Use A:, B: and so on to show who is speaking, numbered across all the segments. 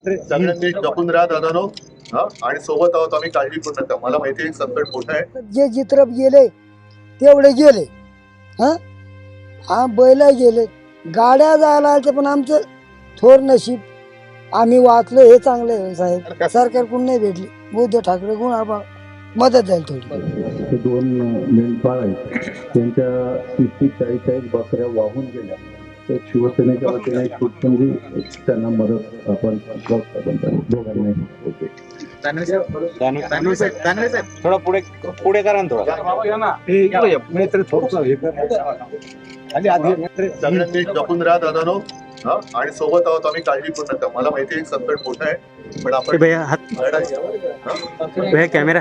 A: सगळ्यांनी जपून राहा दादानो. आणि सोबत आहोत आम्ही, काळजी करू नका. मला माहिती आहे संकट मोठं आहे.
B: जे चित्रप गेले तेवढे गेले. हा बैल गेले, गाड्या जायला आल्या, पण आमचं थोर नशीब आम्ही वाचलो हे चांगलं आहे साहेब. सरकारकडून नाही भेटली, उद्धव ठाकरे कोण आपण मदत झाली थोडी.
C: दोन मेंढपाळ आहेत, त्यांच्या 30-40 बकऱ्या वाहून गेल्या. तर शिवसेनेच्या वतीने म्हणजे त्यांना मदत आपण दोघांनाही होते.
D: थोडा पुढे करा ना
A: सगळ्यांनी जपून राहा दादानो. आणि सोबत आहोत आम्ही, काळजी करू नका. मला माहिती आहे संकट मोठं आहे, पण आपण
D: कॅमेरा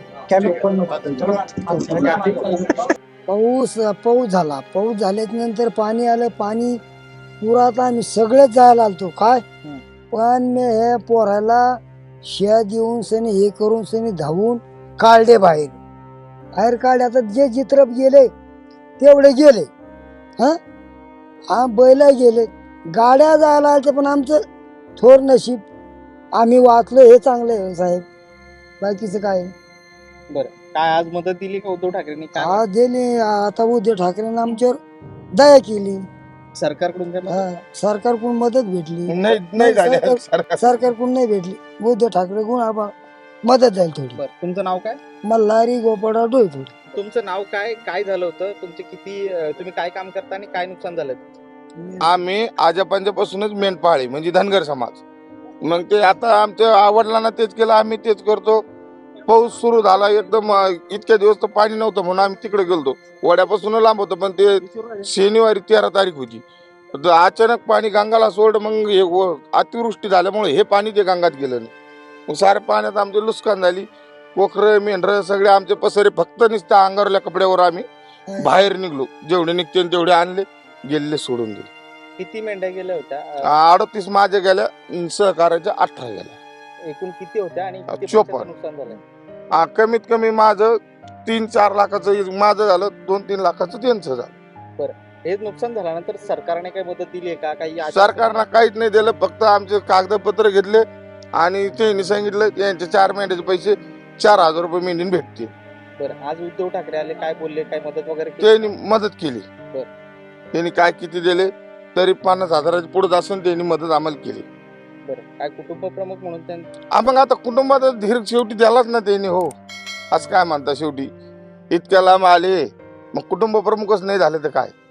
B: पाऊस झाला. पाऊस झाल्याच्या नंतर पाणी आलं. पाणी पुरात आम्ही सगळेच जायला आलतो काय, पण मी हे पोराला शिया देऊन सनी हे करून सनी धावून काढले बाहेर काढले. आता जे चित्रप गेले तेवढे गेले. हा बैल गेले, गाड्या जायला आल्या, पण आमचं थोर नशीब आम्ही वाचलो हे चांगलं आहे साहेब. बाकीचं काय
D: बरं. काय आज मदत दिली का उद्धव ठाकरेंनी?
B: हा दिली. आता उद्धव ठाकरेंनी आमच्यावर दया केली.
D: सरकारकडून काय मदत?
B: सरकारकडून मदत भेटली
D: नाही झाली.
B: सरकारकडून नाही भेटली. उद्धव ठाकरे कोण आपण मदत झाली थोडी.
D: बरं. तुमचं नाव काय?
B: मल्हारी गोपाळराव डोईफोड.
D: तुमचं नाव काय? काय झालं होतं? तुमचे किती तुम्ही काय काम करता आणि काय नुकसान झालं?
E: आम्ही आजोबांच्यापासूनच मेंढपाळी म्हणजे धनगर समाज. मग ते आता आमच्या वडिलांना तेच केलं, आम्ही तेच करतो. पाऊस सुरू झाला एकदम, इतक्या दिवस तर पाणी नव्हतं म्हणून आम्ही तिकडे गेलतो. वड्यापासून लांब होतं, पण ते शनिवारी 13 तारीख होती. अचानक पाणी गंगाला सोड. मग हे अतिवृष्टी झाल्यामुळे हे पाणी ते गंगात गेलं नाही. मग साऱ्या पाण्यात आमचे नुकसान झाली. कोकरं मेंढरं सगळे आमचे पसरे, फक्त नुसत्या अंगारल्या कपड्यावर आम्ही बाहेर निघलो. जेवढे निघते तेवढे आणले, गेले सोडून दिले.
D: किती मेंढ्या गेल्या होत्या?
E: 38 माझ्या गेल्या, सहकार्याच्या 18 गेल्या.
D: एकूण किती होत्या आणि किती
E: 54.
D: पैशाचं नुकसान झालं?
E: कमीत कमी माझं 3-4 लाखाचं माझं झालं, 2-3 लाखाचं त्यांचं झालं.
D: हे नुकसान झाल्यानंतर सरकारने काही मदत दिली आहे का? काही
E: सरकारनं काहीच नाही दिलं, फक्त आमचे कागदपत्र घेतले आणि त्यांनी सांगितलं यांचे 4 महिन्याचे पैसे 4000 रुपये मेंढीने भेटतील.
D: बरं. आज उद्धव ठाकरे आले, काय बोलले? काय मदत वगैरे केली?
E: त्यांनी मदत केली.
D: बरं.
E: त्यांनी काय किती दिले तरी 50,000च्या पुढे असून त्यांनी मदत आम्हाला केली.
D: बरं. काय कुटुंब प्रमुख म्हणून
E: मग आता कुटुंबात धीर शेवटी द्यालाच ना त्यांनी. हो, असं काय म्हणता, शेवटी इतक्या लांब आले, मग कुटुंब प्रमुखच नाही झाले तर काय.